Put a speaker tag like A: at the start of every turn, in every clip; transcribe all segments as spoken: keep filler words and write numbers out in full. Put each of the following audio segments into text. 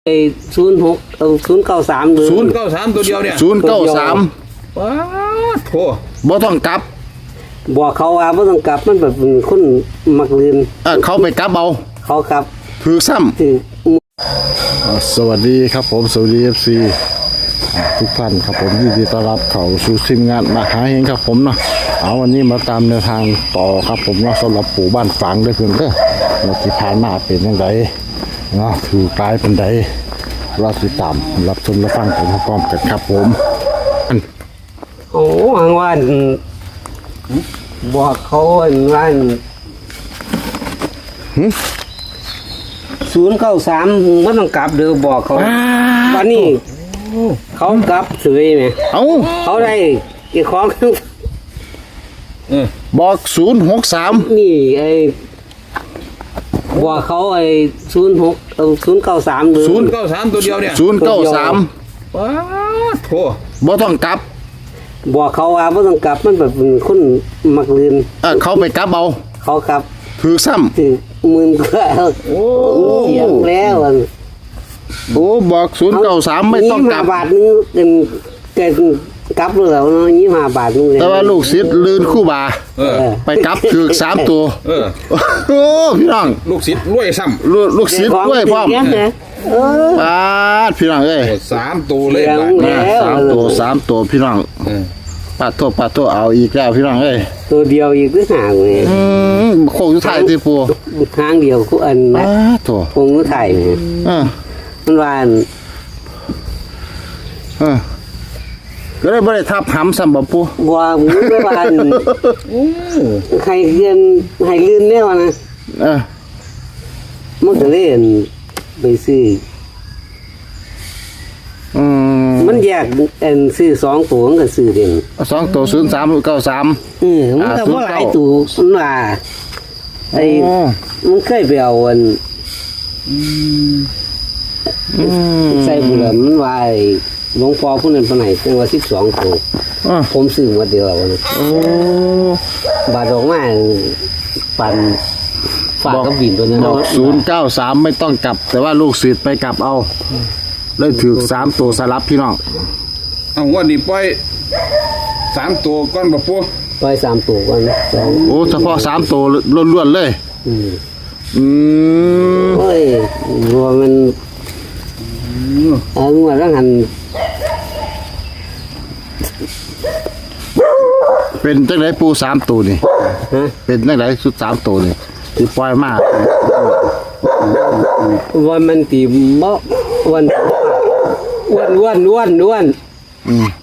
A: ไอ้ศูนย์หกเอาศูนย์เก้าสามเลย
B: ศูนย์เก้าสามตัวเดียวเนี่ย
C: ศูนย์เก้าสาม
B: ว้าโถ
C: บ่ต้องกลับ
A: บอกเขาว่าไม่ต้องกลับมันแบบเป็นคนมักลืน
C: เออเขาไปกลับเอา
A: เขากลับ
C: ถือซ้ำ
A: ถือ
C: อ่าสวัสดีครับผมสวัสดี เอฟ ซี ทุกท่านครับผมยินดีต้อนรับเข้าสู่ทีมงานมาหาเฮงครับผมเนาะเอาวันนี้มาตามแนวทางต่อครับผมเนาะสำหรับปู่บ้านฝางด้วยเพื่อนเด้อว่าที่ผ่านมาเป็นยังไงเนาะถือกลายเป็นใดรอติดตามรับชมรับฟังไปพร้อมๆกันครับผม
A: โอ้หางวันบอกเขาว่าศูนย์เก้าสามไม่ต้องกลับเดี๋ยวบอกเขาวันนี้เขากลับสวยไหม
C: เอ้า
A: เขาได้อีกของ
B: เออ
C: บอกศูนย์หกสาม
A: นี่ไอ้บอกเขาไอ้ศูนย์หกเอาศูนย์เก้าสามเลย
B: ศูนย์เก้าสามตัวเดียวเนี่ย
C: ศูนย์เก้าสาม
B: ว้าโถ
C: บ่ต้องกลับ
A: บอกเขาว่าไม่ต้องกลับมันแบบเป็นคนมักลืน
C: เออเขาไปกลับเอา
A: เขากลับ
C: ถือซ้ำ
A: ถึงหมื่นกว่า
B: โอ้
A: เสียงแล้วอะ
C: โอ้บอกศูนย์เก้าสามไม่ต้องกลับ
A: ยี่สิห้าบาทนึงเป็นเกินกลับเลยแล้วเนาะยี่สิบห้าบาทนึงเลย
C: แต่ว่าลูกศิษย์ลื่นคู่บา
B: เออ
C: ไปกลับถือสามตัว
B: เออ
C: โอ้พี่น้อง
B: ลูกศิษย์รวยซ้
C: ลูกลูกศิษย์ด้วยพร้อม
A: เสียงนะเออ
C: ปาดพี่น้องเอ้ย
B: ำสามตัวเลย
A: เสียง
B: บาท
A: แล้
C: นะสามตัวสามตัวพี่น้อง
B: เออ
C: ปาดโทษปาดโทษเอาอีกแล้วพี่น้องเอ้ย
A: ตัวเดียวอีกก็ห่างเลย
C: อืมโค้งสุดท้ายที่ปู
A: ทางเดียวกูอัน
C: ปา
A: นะ
C: ดโถ
A: คงรู้ไทยเนี่ย
C: เออ
A: มันว่าอัน
C: เออก็ได้บ่ได้ทับหำซ้ำบ่ปู
A: บัวมึงไม่ว่าอัน
B: โอ้
A: ใครเรียนให้ลื่นแล้วนะ
C: เออ
A: มันก็เล่นไปซื้อ
C: อืม
A: มันแยกอันซื้อสองตัวมันก็ซื้อเด่น
C: สองตัวศูนย์สามเก้าสาม
A: เออมันก็บ่หลายตัวมันว่าไอ้
C: โอ้
A: มันเคยไปเอาอัน
C: อืม
A: ใส่บุหรี่มันว่าไอ้หลวงพ่อผู้นั้นปานไหนจังว่าสิบสองตัว
C: อ่ะ
A: ผมซื้อมาเดียวแล้วนะ
C: โอ้
A: บาทออกมาปั่นฝากกับบินตัวนั้น
C: บอกศูนย์เก้าสามไม่ต้องกลับ แต่ว่าลูกศิษย์ไปกลับเอาเลยถือสามตัวสลับพี่น้อง
B: เอาวันนี้ปล่อยสามตัวก้อนบ่ปู
A: ไปสามตัวกันสอง
C: โอ้เฉพาะสามตัวล้วนๆเลย
A: อืม
C: อืม
A: โอ้ยรัวมันเอามาแล้วหัน
C: เป็นจังไรปูสามตัวนี่
A: ฮะ
C: เป็นจังไรสุดสามตัวนี่ที่ปล่อยมาก
A: วันมันตีมะวันอ้วนอ้วนอ้วนอ้วน
C: อืม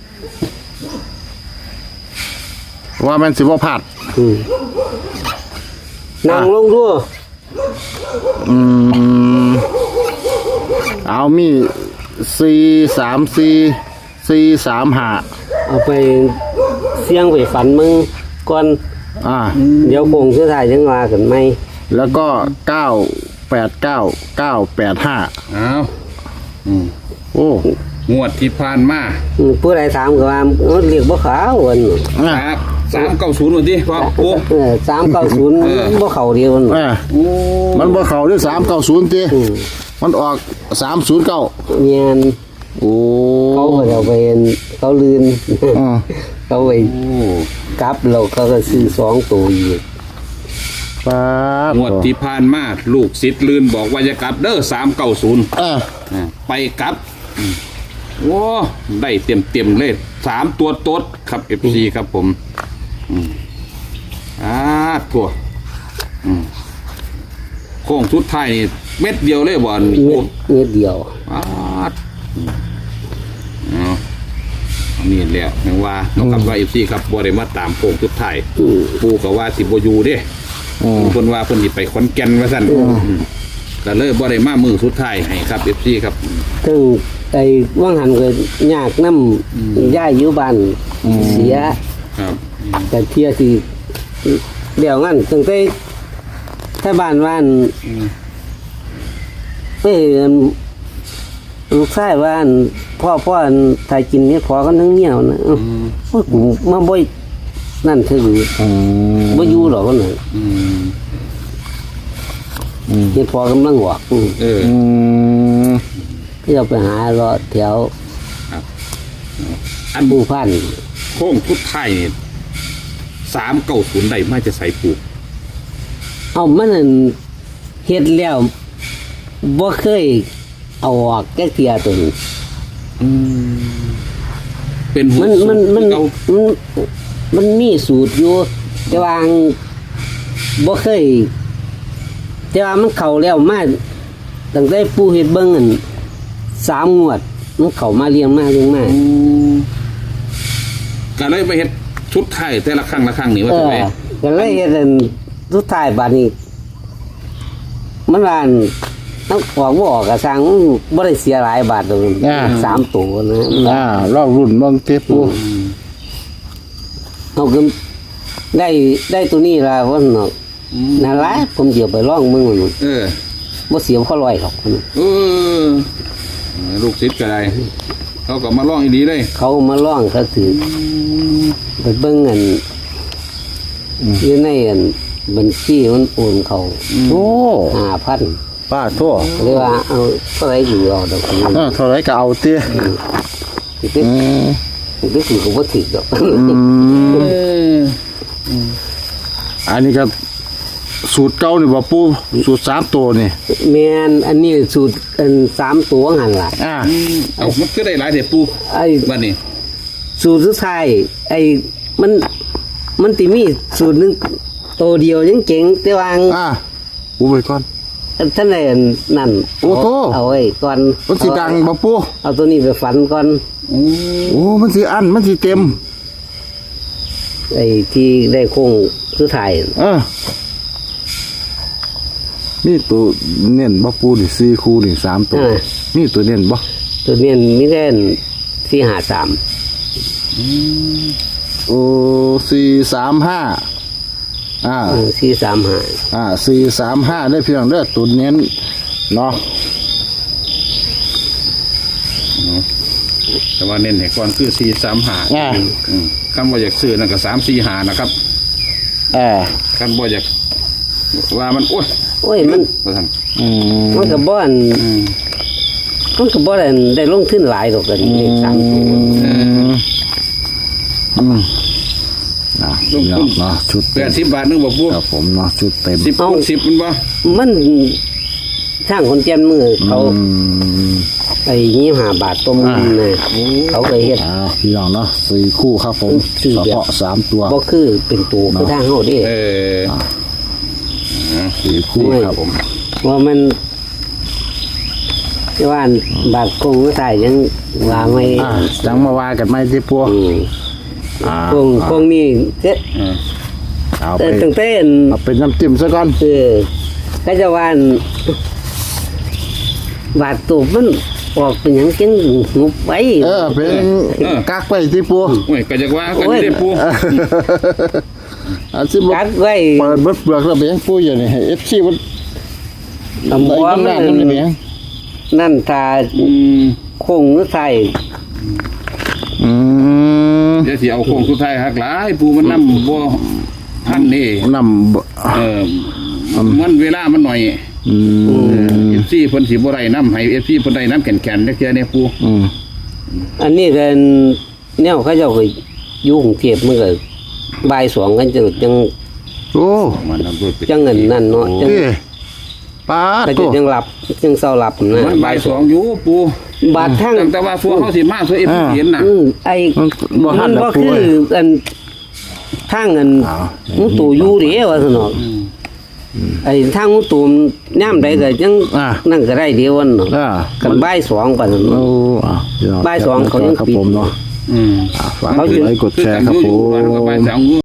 C: ว่ามันสิบ่พลาด
A: อืมนั่งลงดู
C: อืมเอามีสี่สามสี่สี่สามห้า
A: เอาไปเสี่ยงไปฝันมึงก่อน
C: อ่า
A: เดี๋ยวคงสุดท้ายจังว่ากันไหม
C: แล้วก็เก้าแปดเก้าเก้าแปดห้า
B: เอาอืม
C: โอ้
B: งวดที่ผ่านมา
A: อืมผู้ใดถามก็ว่าเอ้อเรียกบ่ขาววัน
C: อ่ะ
B: ครับสามเก้าศูนย์วันที่ว่าปู
A: เออสามเก้าศูนย์บ่เข้าเดียวนั่น
C: อ่ะ
B: โอ้
C: มันบ่เข้าด้วยสามเก้าศูนย์ตีมันออกสามศูนย์เก้า
A: เงียน
C: โอ้
A: เขาก็เอาไปเขาลืน
C: อ่า
A: เขาไปกลับเราเขาก็ซื้อสองตัวอีก
C: ปาด
B: งวดที่ผ่านมาลูกศิษย์ลืนบอกว่าจะกลับเด้อสามเก้าศูนย์
C: อ่ะ
B: ไปกลับอืมโอ้ได้เต็มเต็มๆเลยสามตัวโต๊ดครับเอฟซีครับผมอืมอ่าทั่วอืมโค้งสุดท้ายนี่เม็ดเดียวเลยบอล
A: เม็ดเม็ดเดียว
B: อ่าอืมเอาอันนี่แหละยังว่าน้องกับว่าเอฟซีครับบอได้มาตามโค้งสุดท้ายปูกับว่าสิบอยูเด้
C: อืม
B: เพิ่นว่าเพิ่นสิไปขอนแก่นว่าซั่นอืมก็เลยบ่ได้มามือสุดท้ายให้ครับเอฟซีครับ
A: ถึงไอ้ว่างหันก็ยากน้ำย่ายอยู่บ้านเสีย
B: ครับ
A: แต่เที่ยที่เดี๋ยวงั้นตั้งแต่ถ้าบ้านว่านเอ้ยลูกชายว่าอันพ่อพ่ออันถ่ายกินเนี่ยพอกันทั้งเมียวนะเอ้าโอ้ยกูมาบ่อยนั่นคือ
C: อืม
A: บ่อยู่หรอกคนนั้น
B: อืม
A: เฮ็ดพอกำลังหวกอืม
B: เออ
C: อืม
A: เดี๋ยวไปหาเลาะแถว
B: อัน
A: ผู้พัน
B: โค้งทุดไทายนี่สามเก้าศูนย์ได้มาจะใส่ปู
A: เอามันนั่นเฮ็ดแล้วบ่เคยเอาออกแก้เทียตัวนี้
B: เป็นหัว
A: มันมันมัน
B: เอา
A: มันมันมีสูตรอยู่ แต่ว่าบ่เคย แต่ว่ามันเข้าแล้วมาตั้งแต่ปู่เฮ็ดเบิ่งอันสามงวด มันเข้ามาเรียงมาเรียงมา
B: ก็เลยไปเฮ็ดชุดไทายแต่ละครั้งละครั้งนี่ว่า
A: เอ
B: จะ
A: อ
B: ไป
A: ก็เลยเฮ็ดอันสุดท้ายบัดนี้ มันว่าอันต้องออกบ่ออกก็สร้างมันบ่ได้เสียหลายบาทดอกสามตัวนะ
C: อ่าลองรุ่นเบิ่งเตปู
A: เอาก็ได้ได้ตัวนี้ล่ะว่าเนาะนั่นล่ะผมสิเอาไปลองมึงมัน
B: เออ
A: บ่เสียพอร้อยหรอก
B: เออ ลูกศิษย์ก็ได้เขาก็มาล่องอีดีเลย
A: เขามาลองเขาถือไปเบิ่งอันอยู่ในอันบัญชีมันโอนเขา
C: โอ้
A: ห้าพัน
C: ป้าทั่ว
A: เลยว่าเอาเท่าไหร่อยู่เอาดอกนี้
C: อ่าเท่าไรก็เอาเตี้ย
A: สิไป
C: อืม
A: สิไปถือก็บ่ถือดอก
C: อืมอันนี้ก็สูตรเก่านี่บ่ปูสูตรสามตัวนี่
A: แม่นอันนี้สูตรอันสามตัวหันล่ะ
C: อ่า
B: เอามันก็ได้หลายเด็ดปู
A: ไอ้
B: บ้านนี้
A: สูตรสุดท้ายไอ้มันมันติมีสูตรหนึงตัวเดียวยังเจ๋งแต่ว่า
C: อ่าปูไปก่อน
A: ท่านใดนั่น
C: โอ้โธ่
A: เอาไว้ก่อน
C: มันสิดังบ่ปู
A: เอาตัวนี้ไปฝันก่อน
C: โอ้มันสิอันมันสิเต็ม
A: ไอ้ที่ได้โค้งสุดท้าย
C: เออนี่ตัวเน้นบ่ปูนี่สี่คู่นี่สามตัวนี่ตัวเน้นบ่
A: ตัวนี้มีแค่สี่ห้าสาม
C: โอ้สี่สามห้าอ่า
A: สี่สามห้า
C: อ่าสี่สามห้าได้เพียงเด้อตัวเน้นเนาะ
B: แต่ว่าเน้นให้ก่อนคือสี่สามหา
C: อ่า
B: คำว่าอยากซื้อนั่นก็สามสี่หานะครับ
C: อ่า
B: คำว่าอยากว่ามันโอ้ย
A: โอ้ยมัน
B: ว่าท่าน
C: อืม
A: มันก็บ่อน
B: อืม
A: มันก็บ่ได้ได้ลงทุนหลายดอกกันเลขสามตัว
C: อืมอืมอ่ะเนาะเนาะชุด
B: แป
C: เต็ม
B: ดสิบบาทนึงบอกปู
C: ครับผมเนาะชุดเต็ม
B: สิบคูณสิบมันบ่
A: มันทางคนแจ่มมือเขา
C: อืม
A: ไอ้ยี่ห้าบาทต้มนะเขาก็เฮ็ด
C: อ่าพี่น้องเนาะสี่คู่ครับผม
A: สี่
C: เฉ
A: แบบ
C: พาะสามตัว
A: บ่คือเป็นตัวคือทางเฮาเด้
B: เออ
C: สี่คู่ครับผม
A: ว่ามันว่าบาทคงไม่ใส่ยังว่าไม่
C: อ่าจังมาว่ากันไหมที่ปัว
A: อืม
C: อ่า
A: คงคงนี่เจ๊
C: เอาไป
A: แต่ตั้งแต่อัน
C: เอาเป็นน้ำจิ้มซะก่อน
A: เออก็จะว่าอันบาทตัวมันออกเป็นหยังจังงุบไว้
C: เออเป็นกักไปที่ปัว
B: โอ้ยก็จะว่ากันได้ปู
C: อาซิบ
A: กักไว้
C: เปิดเบิดเปลือกแล้วเบียงปูอยู่นี่เอฟซีมัน
A: ตำ
C: ไอ้
A: บัว
C: ข้างห
A: มั
C: น้าน มันเบียง
A: นั่นตา
B: อืม
A: คงหรือใส่
C: อืม
B: เดี๋ยวสิเอาโค้งสุดท้ายหักหลายปูมันนำบ่พันนี่
C: นำ
B: เออมันเวลามันหน่อย
C: อืม
B: เอฟซีเพิ่นสิบ่ได้น้ำให้เอฟซีเพิ่นได้น้ำแข็งๆจักเทื่อเนี่ยปู
C: อืม
A: อันนี้กันแนวเขาเจ้าก็อยู่กรุงเทพมันก็บ่ายสองกันจังจัง
C: โอ้
B: มันนำด้วย
A: จังเงินนั่นเนาะจัง
C: เอ้ป้า
A: ก็
C: ตั
A: จะ
C: ว
A: จังหลับจังเศร้าหลับนะ
B: มันบ่ายสองอยู่ปู
A: บาดทั้ง
B: แต่ว่าฟัวเฮาสิมาซัวเอฟซีเห็นน่ะ
A: อืมไอ้
C: มันบ่ทั
A: มัน น
C: ด
A: บ่
C: อกปู
A: คือ
C: เอ้ย
A: อันทางอัน
C: อ้าว
A: มุตูอยู่เด้ว่าซั่นเนาะไอ้ทางมุตูมยามใดก็จัง
C: อ่า
A: นั่นก็ได้เดียววันเนาะ
C: อ่า
A: กันบ่ายสองปานนั้น
C: โอ้
A: เนาะ
C: อ่ะพี่น้
A: บ่ายสองเขายัง
C: ครับ
A: ปิด
C: ผมเนาะ
B: อืม
C: อ่ะฝากกดไลค์กดแชร์ครับผ
B: มันก็บ่าย
C: ม
B: สอง